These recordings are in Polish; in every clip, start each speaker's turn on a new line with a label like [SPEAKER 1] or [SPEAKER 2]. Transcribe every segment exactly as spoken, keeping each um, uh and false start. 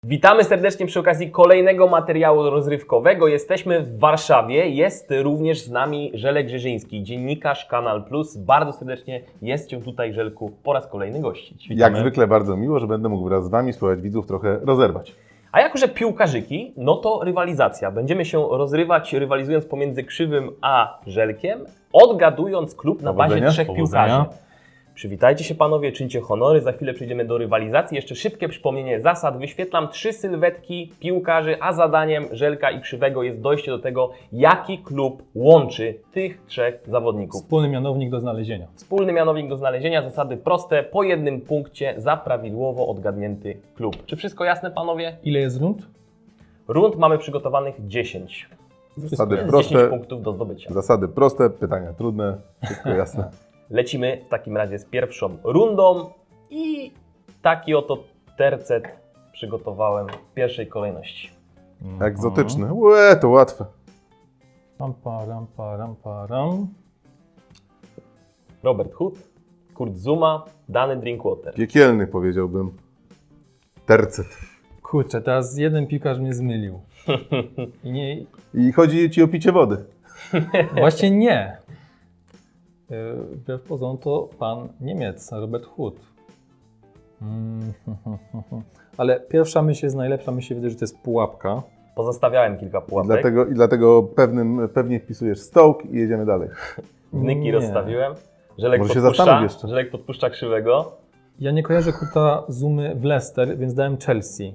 [SPEAKER 1] Witamy serdecznie przy okazji kolejnego materiału rozrywkowego. Jesteśmy w Warszawie. Jest również z nami Żelek Grzeżyński, dziennikarz Kanal Plus. Bardzo serdecznie jest Cię tutaj, Żelku, po raz kolejny gościć.
[SPEAKER 2] Witamy. Jak zwykle bardzo miło, że będę mógł wraz z Wami spróbować widzów trochę rozerwać.
[SPEAKER 1] A jako że piłkarzyki, no to rywalizacja. Będziemy się rozrywać, rywalizując pomiędzy Krzywym a Żelkiem, odgadując klub na bazie trzech
[SPEAKER 3] Powodzenia.
[SPEAKER 1] piłkarzy. Przywitajcie się panowie, czyńcie honory, za chwilę przejdziemy do rywalizacji. Jeszcze szybkie przypomnienie zasad. Wyświetlam trzy sylwetki piłkarzy, a zadaniem Żelka i Krzywego jest dojście do tego, jaki klub łączy tych trzech zawodników.
[SPEAKER 3] Wspólny mianownik do znalezienia.
[SPEAKER 1] Wspólny mianownik do znalezienia, zasady proste, po jednym punkcie za prawidłowo odgadnięty klub. Czy wszystko jasne, panowie?
[SPEAKER 3] Ile jest rund?
[SPEAKER 1] Rund mamy przygotowanych dziesięć.
[SPEAKER 2] Zasady
[SPEAKER 1] Jest
[SPEAKER 2] proste,
[SPEAKER 1] dziesięć punktów do zdobycia.
[SPEAKER 2] zasady proste, pytania trudne, wszystko jasne.
[SPEAKER 1] Lecimy w takim razie z pierwszą rundą i taki oto tercet przygotowałem w pierwszej kolejności.
[SPEAKER 2] Egzotyczny. Łe, to łatwe.
[SPEAKER 3] Ram, pa, ram, pa, ram, pa, ram.
[SPEAKER 1] Robert Hood, Kurt Zuma, Danny Drinkwater.
[SPEAKER 2] Piekielny powiedziałbym. Tercet.
[SPEAKER 3] Kurczę, teraz jeden piłkarz mnie zmylił. I nie,
[SPEAKER 2] I chodzi Ci o picie wody.
[SPEAKER 3] właśnie nie. Yy, Wbrew pozorom to pan Niemiec, Robert Hood. Mm, Ale pierwsza myśl jest najlepsza, mi się wydaje, że to jest pułapka.
[SPEAKER 1] Pozostawiałem kilka
[SPEAKER 2] I
[SPEAKER 1] pułapek.
[SPEAKER 2] dlatego, i dlatego pewnym, pewnie wpisujesz Stoke i jedziemy dalej.
[SPEAKER 1] Wnyki
[SPEAKER 3] Nie.
[SPEAKER 1] rozstawiłem. Żelek
[SPEAKER 2] Może się
[SPEAKER 1] podpuszcza,
[SPEAKER 2] zastanów jeszcze.
[SPEAKER 1] Żelek podpuszcza Krzywego.
[SPEAKER 3] Ja nie kojarzę Kurta Zumy w Leicester, więc dałem Chelsea.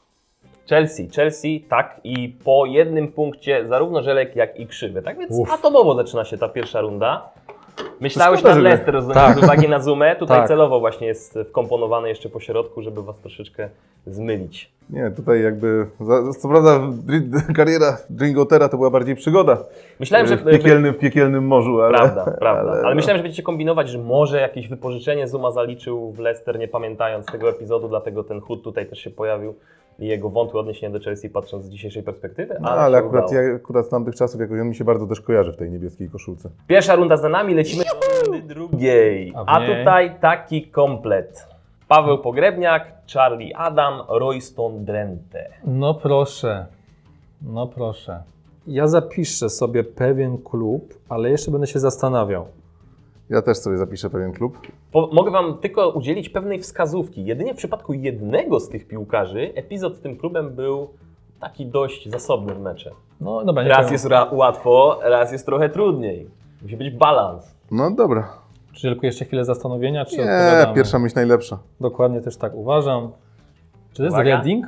[SPEAKER 1] Chelsea, Chelsea, tak, i po jednym punkcie zarówno Żelek, jak i Krzywy. Tak więc
[SPEAKER 3] Uf.
[SPEAKER 1] atomowo zaczyna się ta pierwsza runda. Myślałeś
[SPEAKER 2] Szkoda,
[SPEAKER 1] na
[SPEAKER 2] żeby-
[SPEAKER 1] Leicester, rozumiem,
[SPEAKER 3] Tak.
[SPEAKER 1] z uwagi na Zoomę. Tutaj
[SPEAKER 3] Tak.
[SPEAKER 1] celowo właśnie jest wkomponowany jeszcze po środku, żeby was troszeczkę zmylić.
[SPEAKER 2] Nie, tutaj jakby, za- co prawda dri- kariera Dringotera to była bardziej przygoda.
[SPEAKER 1] Myślałem, że...
[SPEAKER 2] W piekielnym, w piekielnym morzu, ale...
[SPEAKER 1] Prawda, prawda. Ale,
[SPEAKER 2] ale-
[SPEAKER 1] myślałem, że będziecie kombinować, że może jakieś wypożyczenie Zuma zaliczył w Leicester, nie pamiętając tego epizodu, dlatego ten Hood tutaj też się pojawił i jego wątłe odniesienie do Chelsea, patrząc z dzisiejszej perspektywy,
[SPEAKER 2] No,
[SPEAKER 1] ale,
[SPEAKER 2] ale
[SPEAKER 1] się
[SPEAKER 2] akurat,
[SPEAKER 1] udało.
[SPEAKER 2] ja, akurat z tamtych czasów jakoś on mi się bardzo też kojarzy w tej niebieskiej koszulce.
[SPEAKER 1] Pierwsza runda za nami, lecimy do rundy drugiej.
[SPEAKER 3] A w
[SPEAKER 1] A
[SPEAKER 3] niej?
[SPEAKER 1] tutaj taki komplet. Paweł Pogrebniak, Charlie Adam, Royston Drenthe.
[SPEAKER 3] No proszę, no proszę. Ja zapiszę sobie pewien klub, ale jeszcze będę się zastanawiał.
[SPEAKER 2] Ja też sobie zapiszę pewien klub.
[SPEAKER 1] Po, mogę Wam tylko udzielić pewnej wskazówki. Jedynie w przypadku jednego z tych piłkarzy epizod z tym klubem był taki dość zasobny w mecze.
[SPEAKER 3] No dobra, nie
[SPEAKER 1] Raz
[SPEAKER 3] powiem.
[SPEAKER 1] jest ra- łatwo, raz jest trochę trudniej. Musi być balans.
[SPEAKER 2] No dobra.
[SPEAKER 3] Czy tylko jeszcze chwilę zastanowienia, czy
[SPEAKER 2] Nie,
[SPEAKER 3] odpowiadamy?
[SPEAKER 2] pierwsza myśl najlepsza.
[SPEAKER 3] Dokładnie też tak uważam. Czy to jest
[SPEAKER 1] Uwaga.
[SPEAKER 3] Reading?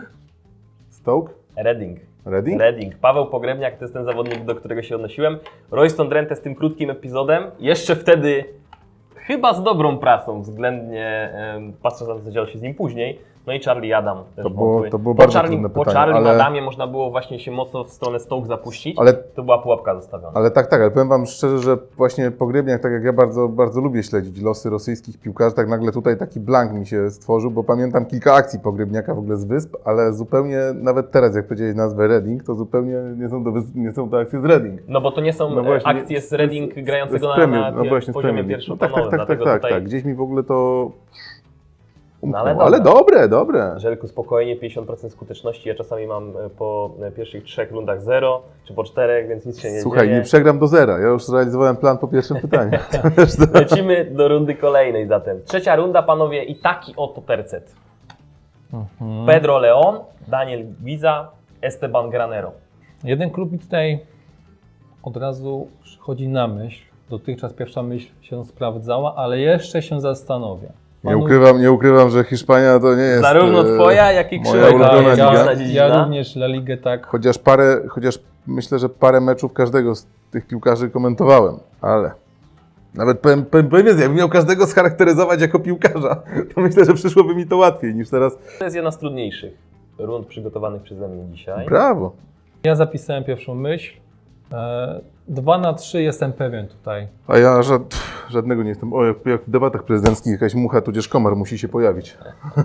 [SPEAKER 2] Stoke?
[SPEAKER 1] Reading.
[SPEAKER 2] Reading?
[SPEAKER 1] Reading. Paweł Pogrebniak to jest ten zawodnik, do którego się odnosiłem. Royston Drenthe z tym krótkim epizodem. Jeszcze wtedy chyba z dobrą pracą względnie, em, patrząc na to, co działo się z nim później. No i Charlie Adam. Też
[SPEAKER 2] To było-
[SPEAKER 1] wątły.
[SPEAKER 2] to było
[SPEAKER 1] po
[SPEAKER 2] bardzo
[SPEAKER 1] Charlie,
[SPEAKER 2] trudne
[SPEAKER 1] Po
[SPEAKER 2] pytanie,
[SPEAKER 1] Charlie
[SPEAKER 2] ale-
[SPEAKER 1] Adamie można było właśnie się mocno w stronę Stoke zapuścić.
[SPEAKER 2] Ale,
[SPEAKER 1] To była pułapka zostawiona.
[SPEAKER 2] ale tak, tak, ale powiem Wam szczerze, że właśnie Pogrebniak, tak jak ja bardzo, bardzo lubię śledzić losy rosyjskich piłkarzy, tak nagle tutaj taki blank mi się stworzył, bo pamiętam kilka akcji Pogrebniaka w ogóle z Wysp, ale zupełnie, nawet teraz jak powiedziałeś nazwę Reading, to zupełnie nie są to, wys- nie są to akcje z Reading.
[SPEAKER 1] No bo to nie są
[SPEAKER 2] No
[SPEAKER 1] e,
[SPEAKER 2] właśnie,
[SPEAKER 1] akcje z Reading
[SPEAKER 2] z-
[SPEAKER 1] grającego
[SPEAKER 2] z
[SPEAKER 1] na,
[SPEAKER 2] Premier,
[SPEAKER 1] na
[SPEAKER 2] no
[SPEAKER 1] pier-
[SPEAKER 2] właśnie, z
[SPEAKER 1] poziomie
[SPEAKER 2] Premier League.
[SPEAKER 1] pierwszoplanowym.
[SPEAKER 2] No tak, tak, tak,
[SPEAKER 1] Dlatego
[SPEAKER 2] tak, tak,
[SPEAKER 1] tutaj,
[SPEAKER 2] tak, gdzieś mi w ogóle to
[SPEAKER 1] No ale
[SPEAKER 2] umknęło. Ale
[SPEAKER 1] dobra.
[SPEAKER 2] dobre, dobre.
[SPEAKER 1] Żelku, spokojnie, pięćdziesiąt procent skuteczności. Ja czasami mam e, po e, pierwszych trzech rundach zero, czy po czterech, więc nic się nie
[SPEAKER 2] Słuchaj,
[SPEAKER 1] dzieje.
[SPEAKER 2] nie przegram do zera, ja już zrealizowałem plan po pierwszym pytaniu. Wiesz, to-
[SPEAKER 1] Lecimy do rundy kolejnej zatem. Trzecia runda, panowie, i taki oto tercet.
[SPEAKER 3] Mhm.
[SPEAKER 1] Pedro Leon, Daniel Guiza, Esteban Granero.
[SPEAKER 3] Jeden klub mi tutaj od razu przychodzi na myśl. Dotychczas pierwsza myśl się sprawdzała, ale jeszcze się zastanowię.
[SPEAKER 2] Nie
[SPEAKER 3] Panu-
[SPEAKER 2] ukrywam, nie ukrywam, że Hiszpania to nie jest...
[SPEAKER 1] Zarówno
[SPEAKER 2] e,
[SPEAKER 1] twoja, jak i
[SPEAKER 2] moja
[SPEAKER 1] Krzywego.
[SPEAKER 2] ulubiona
[SPEAKER 3] ja,
[SPEAKER 2] liga.
[SPEAKER 3] ja,
[SPEAKER 1] Mocna dziedzina.
[SPEAKER 3] ja również La Ligę tak.
[SPEAKER 2] Chociaż parę, chociaż myślę, że parę meczów każdego z tych piłkarzy komentowałem, ale nawet powiem, powiem, powiem więcej, jakbym miał każdego scharakteryzować jako piłkarza, to myślę, że przyszłoby mi to łatwiej niż teraz.
[SPEAKER 1] To jest jedna z trudniejszych rund przygotowanych przeze mnie dzisiaj.
[SPEAKER 2] Brawo.
[SPEAKER 3] Ja zapisałem pierwszą myśl. E, Dwa na trzy jestem pewien tutaj.
[SPEAKER 2] A ja, że pff, żadnego nie jestem. O, jak, jak w debatach prezydenckich jakaś mucha tudzież komar musi się pojawić.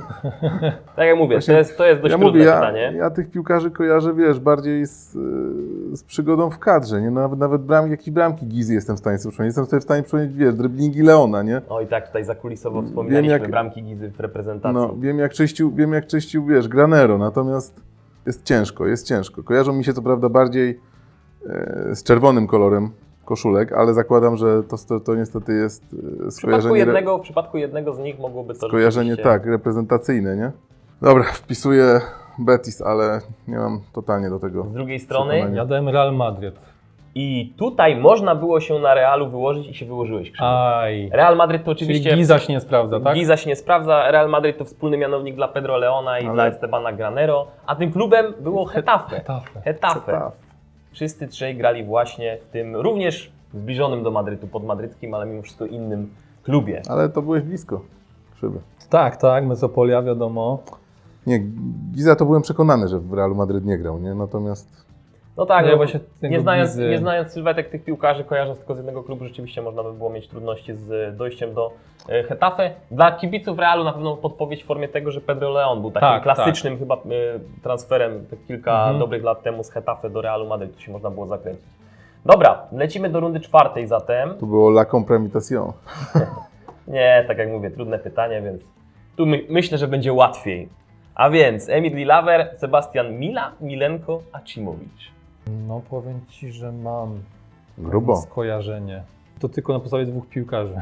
[SPEAKER 1] Tak jak mówię,
[SPEAKER 2] Właśnie
[SPEAKER 1] to jest, to jest dość
[SPEAKER 2] Ja
[SPEAKER 1] trudne
[SPEAKER 2] mówię, ja,
[SPEAKER 1] pytanie.
[SPEAKER 2] ja tych piłkarzy kojarzę, wiesz, bardziej z, y, z przygodą w kadrze, nie? Nawet, nawet bramki, jakieś bramki Gizy jestem w stanie sobie przypomnieć. Jestem sobie w stanie przypomnieć, wiesz, driblingi Leona, nie?
[SPEAKER 1] O i tak tutaj zakulisowo wspominaliśmy
[SPEAKER 2] jak-
[SPEAKER 1] bramki Gizy w reprezentacji.
[SPEAKER 2] No, wiem jak czyścił, wiem jak czyścił, wiesz, Granero, natomiast jest ciężko, jest ciężko. Kojarzą mi się co prawda bardziej e, z czerwonym kolorem koszulek, ale zakładam, że to, to, to niestety jest e,
[SPEAKER 1] w, przypadku
[SPEAKER 2] skojarzenie,
[SPEAKER 1] jednego, w przypadku jednego z nich mogłoby to
[SPEAKER 2] skojarzenie
[SPEAKER 1] rzeczywiście-
[SPEAKER 2] tak, reprezentacyjne, nie? Dobra, wpisuję Betis, ale nie mam totalnie do tego.
[SPEAKER 1] Z drugiej strony
[SPEAKER 2] Przekonania.
[SPEAKER 3] Ja dałem Real Madryt.
[SPEAKER 1] i tutaj można było się na Realu wyłożyć i się wyłożyłeś. Krzysztof.
[SPEAKER 3] Aj.
[SPEAKER 1] Real Madryt to
[SPEAKER 3] Czyli
[SPEAKER 1] oczywiście...
[SPEAKER 3] Giza się nie sprawdza, tak?
[SPEAKER 1] Giza się nie sprawdza, Real Madryt to wspólny mianownik dla Pedro Leona i
[SPEAKER 2] Ale-
[SPEAKER 1] dla Estebana Granero, a tym klubem było Getafe.
[SPEAKER 3] Getafe.
[SPEAKER 1] Getafe.
[SPEAKER 2] Tak.
[SPEAKER 1] Wszyscy trzej grali właśnie w tym również zbliżonym do Madrytu, podmadryckim, ale mimo wszystko innym klubie.
[SPEAKER 2] Ale to byłeś blisko, Krzywy.
[SPEAKER 3] Tak, tak, Mesopolia, wiadomo.
[SPEAKER 2] Nie, Giza to byłem przekonany, że w Realu Madryt nie grał, nie? Natomiast
[SPEAKER 1] No tak,
[SPEAKER 3] Nie,
[SPEAKER 1] no,
[SPEAKER 3] właśnie tego
[SPEAKER 1] nie, znając,
[SPEAKER 3] Gizy-
[SPEAKER 1] nie znając sylwetek tych piłkarzy, kojarząc tylko z jednego klubu, rzeczywiście można by było mieć trudności z dojściem do e, Getafe. Dla kibiców Realu na pewno podpowiedź w formie tego, że Pedro Leon był takim
[SPEAKER 3] Tak,
[SPEAKER 1] klasycznym chyba e, transferem te kilka
[SPEAKER 3] Mhm.
[SPEAKER 1] dobrych lat temu z Getafe do Realu Madryt, to się można było zakręcić. Dobra, lecimy do rundy czwartej zatem.
[SPEAKER 2] to było la compromitation.
[SPEAKER 1] Nie, tak jak mówię, trudne pytanie, więc tu my, myślę, że będzie łatwiej. A więc Emil Lilaver, Sebastian Mila, Milenko, Acimowicz.
[SPEAKER 3] No powiem Ci, że mam
[SPEAKER 2] Grubo.
[SPEAKER 3] skojarzenie. To tylko na podstawie dwóch piłkarzy.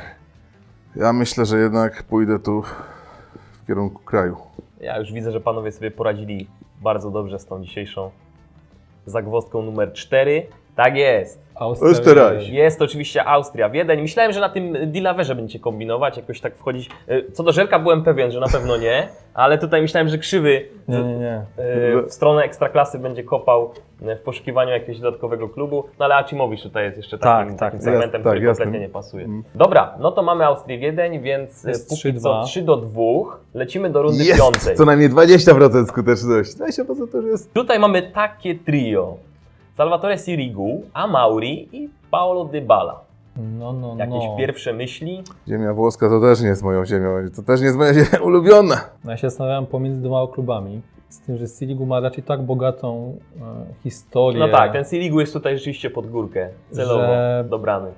[SPEAKER 2] Ja myślę, że jednak pójdę tu w kierunku kraju.
[SPEAKER 1] Ja już widzę, że panowie sobie poradzili bardzo dobrze z tą dzisiejszą zagwozdką numer cztery. Tak jest.
[SPEAKER 3] Austria.
[SPEAKER 2] Österreich.
[SPEAKER 1] Jest oczywiście Austria, Wiedeń. Myślałem, że na tym Dilawerze będziecie kombinować, jakoś tak wchodzić. E, Co do Żelka byłem pewien, że na pewno nie, ale tutaj myślałem, że Krzywy
[SPEAKER 3] Nie, nie, nie.
[SPEAKER 1] e, w stronę Ekstraklasy będzie kopał e, w poszukiwaniu jakiegoś dodatkowego klubu, no ale Acimowicz tutaj jest jeszcze takim,
[SPEAKER 3] Tak,
[SPEAKER 1] takim
[SPEAKER 3] tak,
[SPEAKER 1] segmentem,
[SPEAKER 2] jest, tak,
[SPEAKER 1] który
[SPEAKER 2] jasne.
[SPEAKER 1] kompletnie nie pasuje.
[SPEAKER 2] Mm.
[SPEAKER 1] Dobra, no to mamy Austrię, Wiedeń, więc e,
[SPEAKER 3] Jest
[SPEAKER 1] póki
[SPEAKER 3] trzy
[SPEAKER 1] co
[SPEAKER 3] dwa.
[SPEAKER 1] trzy do dwóch. Lecimy do rundy piątej.
[SPEAKER 2] Jest! Co najmniej dwadzieścia procent skuteczności. dwadzieścia procent to już jest...
[SPEAKER 1] Tutaj mamy takie trio. Salvatore Sirigu, Amauri i Paolo Dybala.
[SPEAKER 3] No, no,
[SPEAKER 1] Jakieś
[SPEAKER 3] no.
[SPEAKER 1] pierwsze myśli?
[SPEAKER 2] Ziemia włoska to też nie jest moją ziemią. To też nie jest moja ziemia ulubiona.
[SPEAKER 3] No ja się zastanawiałem pomiędzy dwoma klubami. Z tym, że Sirigu ma raczej tak bogatą e, historię.
[SPEAKER 1] No tak, ten Sirigu jest tutaj rzeczywiście pod górkę, celowo
[SPEAKER 3] Że-
[SPEAKER 1] dobrany.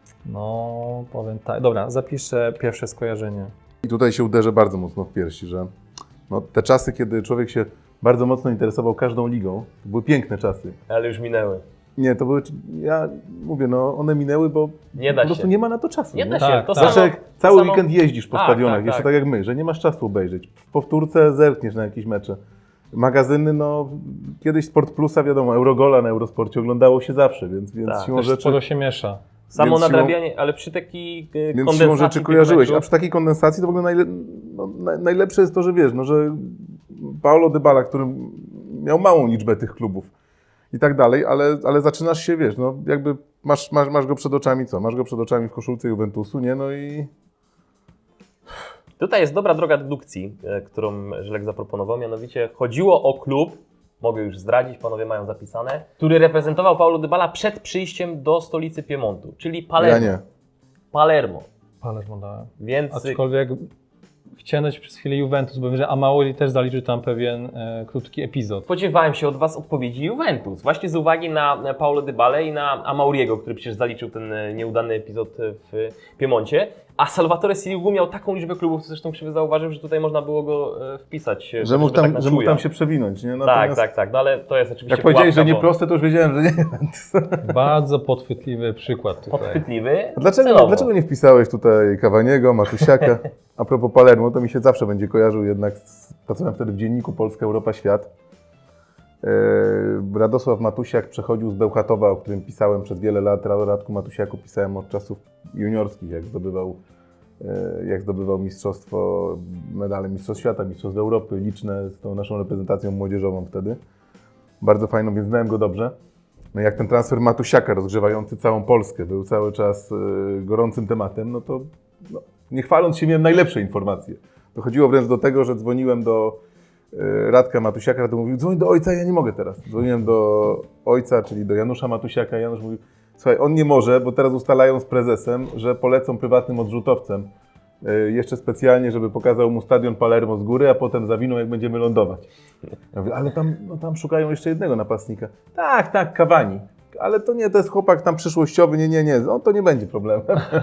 [SPEAKER 3] No, powiem tak. Dobra, zapiszę pierwsze skojarzenie.
[SPEAKER 2] I tutaj się uderzę bardzo mocno w piersi, że no, te czasy, kiedy człowiek się bardzo mocno interesował każdą ligą, to były piękne czasy.
[SPEAKER 1] Ale już minęły.
[SPEAKER 2] Nie, to były, ja mówię, no one minęły, bo
[SPEAKER 1] Nie da
[SPEAKER 2] po prostu
[SPEAKER 1] się.
[SPEAKER 2] nie ma na to czasu.
[SPEAKER 1] Nie da się.
[SPEAKER 3] Tak,
[SPEAKER 1] to
[SPEAKER 3] tak.
[SPEAKER 1] samo,
[SPEAKER 2] Znaczy, jak cały
[SPEAKER 1] samo-
[SPEAKER 2] weekend jeździsz po
[SPEAKER 1] Tak,
[SPEAKER 2] stadionach,
[SPEAKER 1] tak,
[SPEAKER 2] jeszcze
[SPEAKER 1] tak.
[SPEAKER 2] tak jak my, że nie masz czasu obejrzeć. W powtórce zerkniesz na jakieś mecze. Magazyny, no kiedyś Sport Plusa, wiadomo, Eurogola na Eurosporcie oglądało się zawsze, więc, więc
[SPEAKER 1] Tak,
[SPEAKER 2] siłą
[SPEAKER 3] Też
[SPEAKER 2] rzeczy...
[SPEAKER 3] sporo się miesza.
[SPEAKER 1] Samo
[SPEAKER 2] więc siłą-
[SPEAKER 1] nadrabianie, ale przy takiej e,
[SPEAKER 2] Więc siłą
[SPEAKER 1] kondensacji
[SPEAKER 2] rzeczy
[SPEAKER 1] tych
[SPEAKER 2] kojarzyłeś. A
[SPEAKER 1] meczów-
[SPEAKER 2] przy takiej kondensacji to w ogóle najle, no, naj, najlepsze jest to, że wiesz, no, że Paolo Dybala, który miał małą liczbę tych klubów i tak dalej, ale, ale zaczynasz się, wiesz, no jakby masz, masz, masz go przed oczami, co? Masz go przed oczami w koszulce Juventusu, nie? No i
[SPEAKER 1] Tutaj jest dobra droga dedukcji, e, którą Żelek zaproponował, mianowicie chodziło o klub, mogę już zdradzić, panowie mają zapisane, który reprezentował Paulo Dybala przed przyjściem do stolicy Piemontu, czyli Palermo.
[SPEAKER 2] ja nie.
[SPEAKER 1] Palermo.
[SPEAKER 3] Palermo dałem.
[SPEAKER 1] Więc
[SPEAKER 3] Aczkolwiek chciałem dać przez chwilę Juventus, bo wiem, że Amauri też zaliczył tam pewien e, krótki epizod.
[SPEAKER 1] spodziewałem się od Was odpowiedzi Juventus, właśnie z uwagi na Paulo Dybalę i na Amauriego, który przecież zaliczył ten e, nieudany epizod w Piemoncie. A Salvatore Sirigu miał taką liczbę klubów, co zresztą Krzywy zauważył, że tutaj można było go e, wpisać. e,
[SPEAKER 2] Że mógł,
[SPEAKER 1] żeby
[SPEAKER 2] tam,
[SPEAKER 1] tak
[SPEAKER 2] że mógł
[SPEAKER 1] na
[SPEAKER 2] tam
[SPEAKER 1] czuja.
[SPEAKER 2] się przewinąć, nie?
[SPEAKER 1] Tak,
[SPEAKER 2] Natomiast
[SPEAKER 1] tak, tak, no ale to jest oczywiście
[SPEAKER 2] Jak powiedziałeś, że
[SPEAKER 1] pułapka,
[SPEAKER 2] nie
[SPEAKER 1] bo
[SPEAKER 2] proste, to już wiedziałem, że nie.
[SPEAKER 3] Bardzo podchwytliwy przykład tutaj.
[SPEAKER 1] podchwytliwy.
[SPEAKER 2] A dlaczego,
[SPEAKER 1] celowo.
[SPEAKER 2] dlaczego nie wpisałeś tutaj Cavaniego, Matusiaka? A propos Palermo, to mi się zawsze będzie kojarzył jednak, z, pracowałem wtedy w dzienniku Polska, Europa, Świat. Eee, Radosław Matusiak przechodził z Bełchatowa, o którym pisałem przez wiele lat. O Radku Matusiaku pisałem od czasów juniorskich, jak zdobywał, e, jak zdobywał mistrzostwo, medale Mistrzostw Świata, Mistrzostw Europy, liczne z tą naszą reprezentacją młodzieżową wtedy. Bardzo fajną, więc znałem go dobrze. No i jak ten transfer Matusiaka rozgrzewający całą Polskę był cały czas e, gorącym tematem, no to no, nie chwaląc się miałem najlepsze informacje. Dochodziło wręcz do tego, że dzwoniłem do e, Radka Matusiaka, to mówił, dzwoń do ojca, ja nie mogę teraz. Dzwoniłem do ojca, czyli do Janusza Matusiaka, Janusz mówił, Słuchaj, on nie może, bo teraz ustalają z prezesem, że polecą prywatnym odrzutowcem. Yy, jeszcze specjalnie, żeby pokazał mu stadion Palermo z góry, a potem zawiną, jak będziemy lądować. Ja mówię, ale tam, no, tam szukają jeszcze jednego napastnika. Tak, tak, Cavani. Ale to nie, to jest chłopak tam przyszłościowy, nie, nie, nie, no, to nie będzie problemem.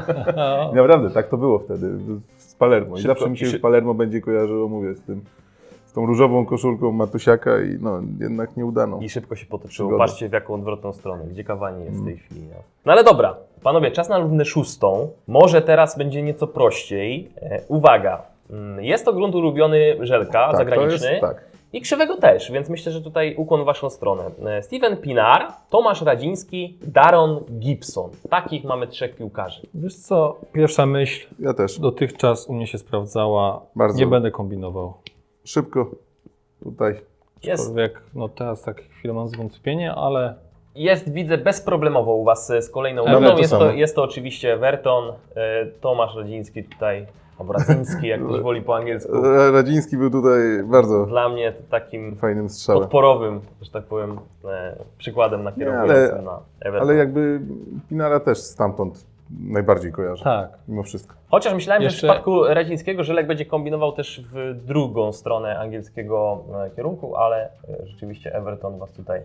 [SPEAKER 2] I naprawdę, tak to było wtedy z Palermo. I
[SPEAKER 1] Szybko,
[SPEAKER 2] zawsze mi się
[SPEAKER 1] szy-
[SPEAKER 2] Palermo będzie kojarzyło, mówię, z tym, z tą różową koszulką Matusiaka i no, jednak nie udano.
[SPEAKER 1] I szybko się potoczyło.
[SPEAKER 2] Przygoda.
[SPEAKER 1] Patrzcie w jaką odwrotną stronę, gdzie Cavani jest w tej chwili. No. no ale dobra, panowie, czas na rundę szóstą. Może teraz będzie nieco prościej. E, uwaga, mm, jest to grunt ulubiony Żelka,
[SPEAKER 2] Tak,
[SPEAKER 1] zagraniczny.
[SPEAKER 2] To jest, tak.
[SPEAKER 1] I Krzywego też, więc myślę, że tutaj ukłon w waszą stronę. E, Steven Pinar, Tomasz Radziński, Daron Gibson. Takich mamy trzech piłkarzy.
[SPEAKER 3] Wiesz co, pierwsza myśl
[SPEAKER 2] Ja też.
[SPEAKER 3] dotychczas u mnie się sprawdzała.
[SPEAKER 2] Bardzo.
[SPEAKER 3] Nie będę kombinował.
[SPEAKER 2] Szybko tutaj.
[SPEAKER 1] Jest,
[SPEAKER 3] Aczkolwiek, no teraz tak chwilę mam zwątpienie, ale
[SPEAKER 1] jest widzę, bezproblemowo u was z kolejną
[SPEAKER 2] Mamy
[SPEAKER 1] rundą.
[SPEAKER 2] to
[SPEAKER 1] Jest to,
[SPEAKER 2] samo.
[SPEAKER 1] jest to oczywiście Verton, e, Tomasz Radziński tutaj, albo Radziński, jak ktoś woli po angielsku.
[SPEAKER 2] Radziński był tutaj bardzo
[SPEAKER 1] Dla mnie to takim
[SPEAKER 2] fajnym strzałem.
[SPEAKER 1] podporowym, że tak powiem, e, przykładem nakierowującym
[SPEAKER 2] ale-
[SPEAKER 1] na Everton.
[SPEAKER 2] Ale jakby Pinara też stamtąd najbardziej kojarzę.
[SPEAKER 3] tak.
[SPEAKER 2] Mimo wszystko.
[SPEAKER 1] Chociaż myślałem, że
[SPEAKER 3] Jeszcze-
[SPEAKER 1] w przypadku Radzińskiego Żelek będzie kombinował też w drugą stronę angielskiego e, kierunku, ale e, rzeczywiście Everton was tutaj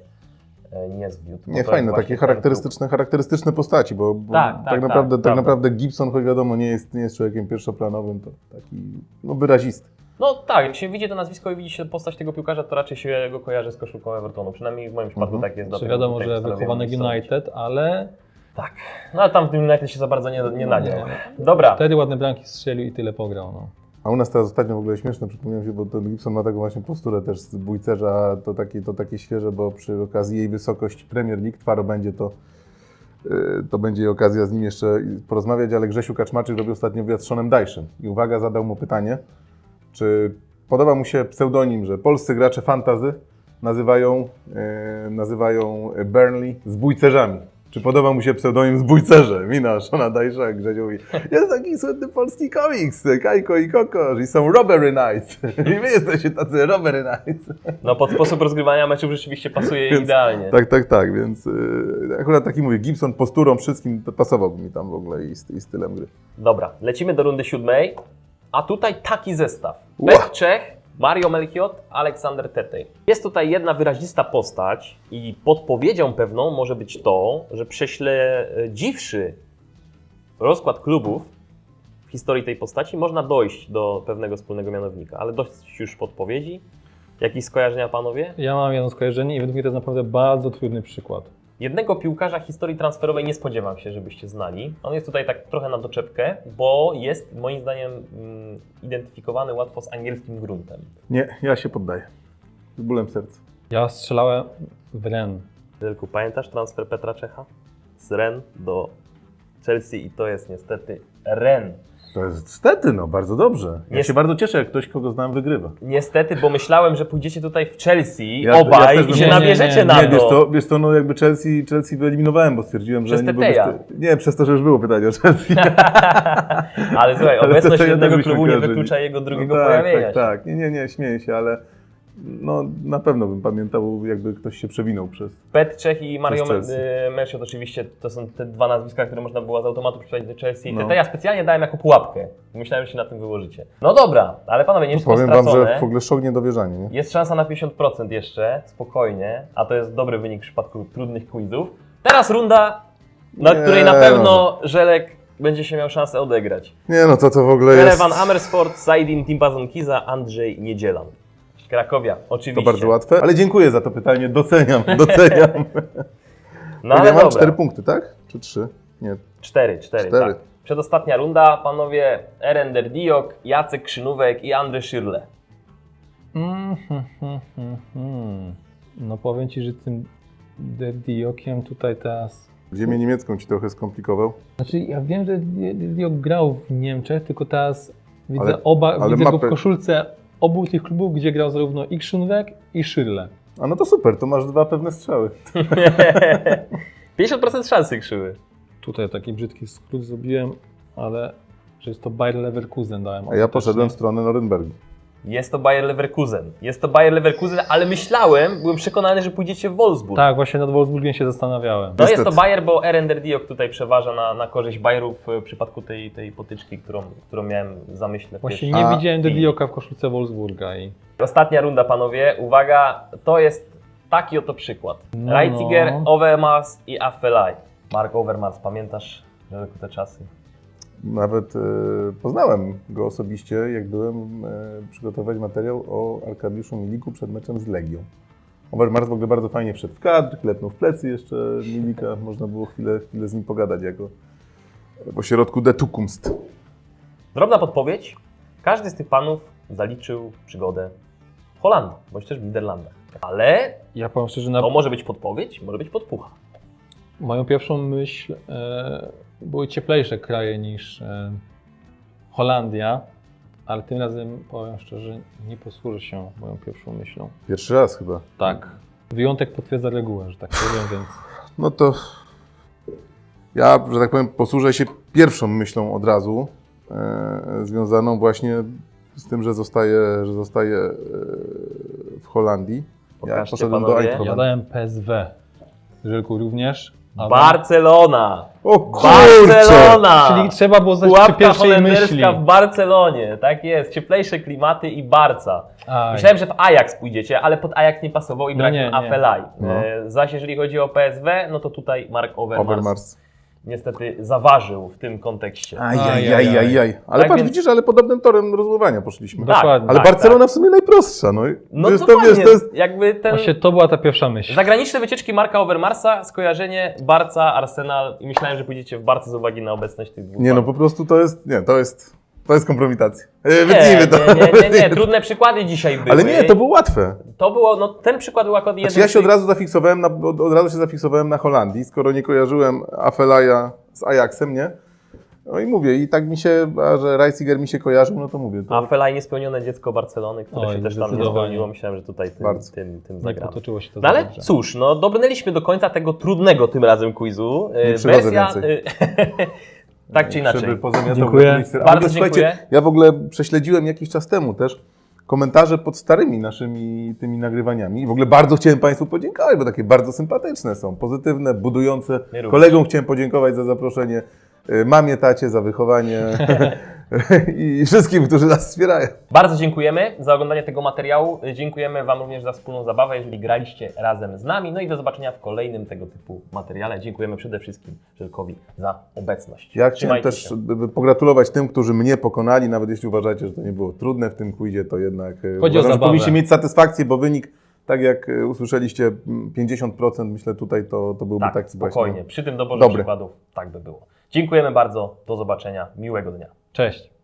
[SPEAKER 1] e, nie zwiódł. bo
[SPEAKER 2] Nie,
[SPEAKER 1] to
[SPEAKER 2] fajne,
[SPEAKER 1] jest
[SPEAKER 2] takie
[SPEAKER 1] właśnie ten
[SPEAKER 2] charakterystyczne, charakterystyczne postaci, bo, bo
[SPEAKER 1] Tak,
[SPEAKER 2] tak,
[SPEAKER 1] tak, tak,
[SPEAKER 2] naprawdę, tak,
[SPEAKER 1] prawda.
[SPEAKER 2] naprawdę Gibson, choć wiadomo, nie jest, nie jest człowiekiem pierwszoplanowym, to taki no, wyrazisty.
[SPEAKER 1] klub. No tak, jak się widzi to nazwisko i widzi się postać tego piłkarza, to raczej się go kojarzy z koszulką Evertonu. Przynajmniej w moim przypadku
[SPEAKER 2] Mhm.
[SPEAKER 1] tak jest.
[SPEAKER 3] Czy
[SPEAKER 1] dlatego
[SPEAKER 3] wiadomo,
[SPEAKER 1] tutaj
[SPEAKER 3] że
[SPEAKER 1] postanowiłem
[SPEAKER 3] wychowany w
[SPEAKER 1] wstąpić.
[SPEAKER 3] United, ale
[SPEAKER 1] Tak, no ale tam w tym United się za bardzo nie, nie nadział.
[SPEAKER 3] Nie.
[SPEAKER 1] Dobra,
[SPEAKER 3] wtedy ładne bramki strzelił i tyle pograł. No.
[SPEAKER 2] A u nas teraz ostatnio w ogóle śmieszne, przypomniałem się, bo ten Gibson ma taką właśnie posturę też z bójcerza, to takie, to takie świeże, bo przy okazji jej wysokość Premier League, twaro będzie to, yy, to będzie okazja z nim jeszcze porozmawiać, ale Grzesiu Kaczmarczyk robił ostatnio wywiad z Seanem Dyche'em i uwaga, zadał mu pytanie, czy podoba mu się pseudonim, że polscy gracze fantasy nazywają, yy, nazywają Burnley zbójcerzami. Czy podoba mu się pseudonim Zbójcerze? Mina, Seana Dyche'a, Grzesiu mówi, jest taki słynny polski komiks, Kajko i Kokosz i są Robbery Nights. I wy jesteście tacy Robbery Nights.
[SPEAKER 1] no pod sposób rozgrywania meczów rzeczywiście pasuje
[SPEAKER 2] Więc-
[SPEAKER 1] idealnie.
[SPEAKER 2] Tak, tak, tak, więc yy, akurat taki mówię, Gibson posturą wszystkim to pasowałby mi tam w ogóle i, st- i stylem gry.
[SPEAKER 1] Dobra, lecimy do rundy siódmej, a tutaj taki zestaw.
[SPEAKER 2] Ła!
[SPEAKER 1] Petr Czech, Mario Melchiot, Aleksander Tetej. Jest tutaj jedna wyrazista postać i podpowiedzią pewną może być to, że prześledziwszy rozkład klubów w historii tej postaci, można dojść do pewnego wspólnego mianownika, ale dość już podpowiedzi. Jakieś skojarzenia, panowie?
[SPEAKER 3] Ja mam jedno skojarzenie i według mnie to jest naprawdę bardzo trudny przykład.
[SPEAKER 1] Jednego piłkarza historii transferowej nie spodziewam się, żebyście znali. On jest tutaj tak trochę na doczepkę, bo jest moim zdaniem mm, identyfikowany łatwo z angielskim gruntem.
[SPEAKER 2] Nie, ja się poddaję. Z bólem serca.
[SPEAKER 3] Ja strzelałem w Ren.
[SPEAKER 1] Wielku, pamiętasz transfer Petra Czecha? Z Rennes do Chelsea i to jest niestety Rennes.
[SPEAKER 2] To jest niestety, no, bardzo dobrze. Ja
[SPEAKER 1] Jest-
[SPEAKER 2] się bardzo cieszę, jak ktoś, kogo znam, wygrywa.
[SPEAKER 1] Niestety, bo myślałem, że pójdziecie tutaj w Chelsea
[SPEAKER 2] Ja- ja
[SPEAKER 1] obaj
[SPEAKER 2] też
[SPEAKER 1] i
[SPEAKER 2] bym-
[SPEAKER 1] się
[SPEAKER 3] nie, nie,
[SPEAKER 1] nabierzecie
[SPEAKER 3] nie,
[SPEAKER 1] na
[SPEAKER 2] Nie, wiesz
[SPEAKER 1] to.
[SPEAKER 2] to, wiesz to, no jakby Chelsea, Chelsea wyeliminowałem, bo stwierdziłem, że
[SPEAKER 1] Przez
[SPEAKER 2] nie byłbyś
[SPEAKER 1] Teteja.
[SPEAKER 2] ty. Nie, przez to, że już było pytanie o Chelsea.
[SPEAKER 1] Ale słuchaj,
[SPEAKER 2] Ale
[SPEAKER 1] obecność
[SPEAKER 2] to ja
[SPEAKER 1] jednego
[SPEAKER 2] też byśmy
[SPEAKER 1] klubu nie
[SPEAKER 2] kojarzyli.
[SPEAKER 1] wyklucza jego drugiego
[SPEAKER 2] no tak,
[SPEAKER 1] pojawienia
[SPEAKER 2] tak,
[SPEAKER 1] się.
[SPEAKER 2] tak. Nie, nie, nie, śmieję się, ale no, na pewno bym pamiętał, jakby ktoś się przewinął przez...
[SPEAKER 1] Petr Czech i Mario
[SPEAKER 2] Przez Chelsea.
[SPEAKER 1] Me- Melchiot oczywiście to są te dwa nazwiska, które można było z automatu przypisać do Chelsea.
[SPEAKER 2] No.
[SPEAKER 1] Te ja specjalnie dałem jako pułapkę. Myślałem, że się na tym wyłożycie. No dobra, ale panowie, nie wszystko
[SPEAKER 2] Powiem wam,
[SPEAKER 1] stracone.
[SPEAKER 2] że w ogóle szok niedowierzanie, nie?
[SPEAKER 1] Jest szansa na pięćdziesiąt procent jeszcze, spokojnie, a to jest dobry wynik w przypadku trudnych quizów. Teraz runda, na
[SPEAKER 2] Nie.
[SPEAKER 1] której na pewno Żelek będzie się miał szansę odegrać.
[SPEAKER 2] Nie no, to to w ogóle jest...
[SPEAKER 1] Televan Amersfoort, Zaidin Timbazon-Kiza, Andrzej Niedzielan. Krakowia,
[SPEAKER 2] To
[SPEAKER 1] oczywiście.
[SPEAKER 2] bardzo łatwe, ale dziękuję za to pytanie, doceniam, doceniam.
[SPEAKER 1] No
[SPEAKER 2] ja
[SPEAKER 1] ale
[SPEAKER 2] mam
[SPEAKER 1] dobra.
[SPEAKER 2] cztery punkty, tak? Czy trzy? Nie.
[SPEAKER 1] Cztery, cztery,
[SPEAKER 2] Cztery.
[SPEAKER 1] tak. Przedostatnia runda, panowie Erender Diok, Jacek Krzynówek i Andrzej Szyrle.
[SPEAKER 3] Mm, hmm, hmm, hmm, hmm. No powiem Ci, że tym Diokiem tutaj teraz...
[SPEAKER 2] Ziemię niemiecką ci trochę skomplikował.
[SPEAKER 3] Znaczy ja wiem, że Diok grał w Niemczech, tylko teraz widzę
[SPEAKER 2] Ale-
[SPEAKER 3] oba,
[SPEAKER 2] ale
[SPEAKER 3] widzę go
[SPEAKER 2] mapy-
[SPEAKER 3] w koszulce obu tych klubów, gdzie grał zarówno i Krzynówek i Szyrle.
[SPEAKER 2] A no to super, to masz dwa pewne strzały.
[SPEAKER 1] pięćdziesiąt procent szansy krzywy.
[SPEAKER 3] Tutaj taki brzydki skrót zrobiłem, ale że jest to Bayer Leverkusen dałem.
[SPEAKER 2] A ja poszedłem w stronę Norymbergi.
[SPEAKER 1] Jest to Bayer Leverkusen. Jest to Bayer Leverkusen, ale myślałem, byłem przekonany, że pójdziecie w Wolfsburg.
[SPEAKER 3] Tak, właśnie nad Wolfsburgiem się zastanawiałem.
[SPEAKER 1] No jest
[SPEAKER 2] Niestety.
[SPEAKER 1] to Bayer, bo Erendir Diok tutaj przeważa na, na korzyść Bayerów w przypadku tej, tej potyczki, którą, którą miałem w zamyśle. w
[SPEAKER 3] Właśnie
[SPEAKER 1] pierwszej
[SPEAKER 3] nie
[SPEAKER 2] A,
[SPEAKER 3] widziałem
[SPEAKER 1] i-
[SPEAKER 3] Dedioka w koszulce Wolfsburga i
[SPEAKER 1] Ostatnia runda, panowie. Uwaga, to jest taki oto przykład.
[SPEAKER 3] No,
[SPEAKER 1] Reitziger,
[SPEAKER 3] no.
[SPEAKER 1] Overmars i Affelay. Mark Overmars, pamiętasz Żelku te czasy?
[SPEAKER 2] Nawet e, poznałem go osobiście, jak byłem e, przygotowywać materiał o Arkadiuszu Miliku przed meczem z Legią. Overmars w ogóle bardzo fajnie wszedł w kadr, klepnął w plecy jeszcze Milika, można było chwilę, chwilę z nim pogadać jako w ośrodku De Toekomst.
[SPEAKER 1] Drobna podpowiedź. Każdy z tych panów zaliczył przygodę w Holandii, bądź też w Niderlandach. Ale
[SPEAKER 3] ja powiem szczerze, na
[SPEAKER 1] to może być podpowiedź, może być podpucha.
[SPEAKER 3] moją pierwszą myśl e, były cieplejsze kraje niż e, Holandia, ale tym razem powiem szczerze, nie posłużę się moją pierwszą myślą.
[SPEAKER 2] Pierwszy raz chyba.
[SPEAKER 3] Tak. Wyjątek potwierdza regułę, że tak powiem, więc
[SPEAKER 2] No to ja, że tak powiem, posłużę się pierwszą myślą od razu, e, związaną właśnie z tym, że zostaję, że zostaję e, w Holandii. Ja
[SPEAKER 1] Pokażcie,
[SPEAKER 2] poszedłem do
[SPEAKER 1] panowie.
[SPEAKER 3] ja
[SPEAKER 2] Eindhoven.
[SPEAKER 3] dałem P S W. Żelku również. A
[SPEAKER 1] Barcelona!
[SPEAKER 2] O kurczę!
[SPEAKER 1] Barcelona!
[SPEAKER 3] Czyli trzeba było znać przy
[SPEAKER 1] Pułapka
[SPEAKER 3] pierwszej myśli.
[SPEAKER 1] holenderska w Barcelonie, tak jest. Cieplejsze klimaty i Barca.
[SPEAKER 3] Aj.
[SPEAKER 1] Myślałem, że w Ajax pójdziecie, ale pod Ajax nie pasował i
[SPEAKER 3] No
[SPEAKER 1] brak
[SPEAKER 3] nie,
[SPEAKER 1] no
[SPEAKER 3] nie.
[SPEAKER 1] Affelay.
[SPEAKER 2] No.
[SPEAKER 1] E, zaś jeżeli chodzi o P S W, no to tutaj Mark Overmars,
[SPEAKER 2] Overmars.
[SPEAKER 1] niestety zaważył w tym kontekście.
[SPEAKER 2] Ajajajajaj. Ale
[SPEAKER 1] Tak
[SPEAKER 2] patrz,
[SPEAKER 1] więc-
[SPEAKER 2] widzisz, ale podobnym torem rozływania poszliśmy.
[SPEAKER 1] Tak.
[SPEAKER 3] Dokładnie.
[SPEAKER 2] Ale
[SPEAKER 1] tak,
[SPEAKER 2] Barcelona w sumie najprostsza, no. i
[SPEAKER 1] No
[SPEAKER 2] wiesz,
[SPEAKER 1] to,
[SPEAKER 2] to, wiesz, to jest...
[SPEAKER 1] jakby ten...
[SPEAKER 3] Właśnie to była ta pierwsza myśl.
[SPEAKER 1] Zagraniczne wycieczki Marka Overmarsa, skojarzenie Barca, Arsenal i myślałem, że pójdziecie w Barce z uwagi na obecność tych dwóch
[SPEAKER 2] Nie no,
[SPEAKER 1] panów.
[SPEAKER 2] po prostu to jest, nie, to jest, to jest kompromitacja. E,
[SPEAKER 1] Nie,
[SPEAKER 2] Wytnijmy to.
[SPEAKER 1] nie, nie, nie, nie, trudne przykłady dzisiaj były.
[SPEAKER 2] Ale nie, to było łatwe.
[SPEAKER 1] To było, no ten przykład był akurat jeden
[SPEAKER 2] Znaczy ja
[SPEAKER 1] z
[SPEAKER 2] się od
[SPEAKER 1] tych-
[SPEAKER 2] razu zafiksowałem na, od, od razu się zafiksowałem na Holandii, skoro nie kojarzyłem Affelaya z Ajaxem, nie? No i mówię, i tak mi się, a że Reitziger mi się kojarzył, no to mówię. To...
[SPEAKER 1] A Felaj niespełnione dziecko Barcelony, które
[SPEAKER 3] Oj,
[SPEAKER 1] się też tam nie
[SPEAKER 3] zdecydowanie.
[SPEAKER 1] spełniło. Myślałem, że tutaj tym,
[SPEAKER 2] Bardzo.
[SPEAKER 1] tym, tym
[SPEAKER 3] Nie
[SPEAKER 1] zagramy.
[SPEAKER 3] potoczyło się to
[SPEAKER 1] No
[SPEAKER 3] za
[SPEAKER 1] ale
[SPEAKER 3] dobrze.
[SPEAKER 1] cóż, no dobrnęliśmy do końca tego trudnego tym razem quizu.
[SPEAKER 2] Nie
[SPEAKER 1] E,
[SPEAKER 2] przychodzę
[SPEAKER 1] Wersja,
[SPEAKER 2] więcej.
[SPEAKER 1] e, tak czy inaczej.
[SPEAKER 2] Żeby pozamiatał
[SPEAKER 3] Dziękuję.
[SPEAKER 2] miejsce. A w
[SPEAKER 1] Bardzo
[SPEAKER 2] ogóle, słuchajcie,
[SPEAKER 1] dziękuję.
[SPEAKER 2] ja w ogóle prześledziłem jakiś czas temu też komentarze pod starymi naszymi tymi nagrywaniami. I w ogóle bardzo chciałem Państwu podziękować, bo takie bardzo sympatyczne są, pozytywne, budujące.
[SPEAKER 1] My również.
[SPEAKER 2] Kolegom chciałem podziękować za zaproszenie, y, mamie, tacie za wychowanie i wszystkim, którzy nas wspierają.
[SPEAKER 1] Bardzo dziękujemy za oglądanie tego materiału. Dziękujemy Wam również za wspólną zabawę, jeżeli graliście razem z nami. No i do zobaczenia w kolejnym tego typu materiale. Dziękujemy przede wszystkim Żelkowi za obecność.
[SPEAKER 2] Ja chciałem
[SPEAKER 1] Trzymajcie
[SPEAKER 2] też
[SPEAKER 1] się.
[SPEAKER 2] by- by pogratulować tym, którzy mnie pokonali, nawet jeśli uważacie, że to nie było trudne w tym quizie, to jednak y,
[SPEAKER 3] Chodzi o
[SPEAKER 2] uważam, że
[SPEAKER 3] zabawę.
[SPEAKER 2] powinniście mieć satysfakcję, bo wynik, tak jak y, usłyszeliście, m, pięćdziesiąt procent myślę tutaj, to, to byłby
[SPEAKER 1] Tak,
[SPEAKER 2] taki
[SPEAKER 1] spokojnie.
[SPEAKER 2] właśnie
[SPEAKER 1] Przy tym doborze
[SPEAKER 2] Dobry.
[SPEAKER 1] przykładów tak by było. Dziękujemy bardzo. Do zobaczenia. Miłego dnia.
[SPEAKER 3] Cześć.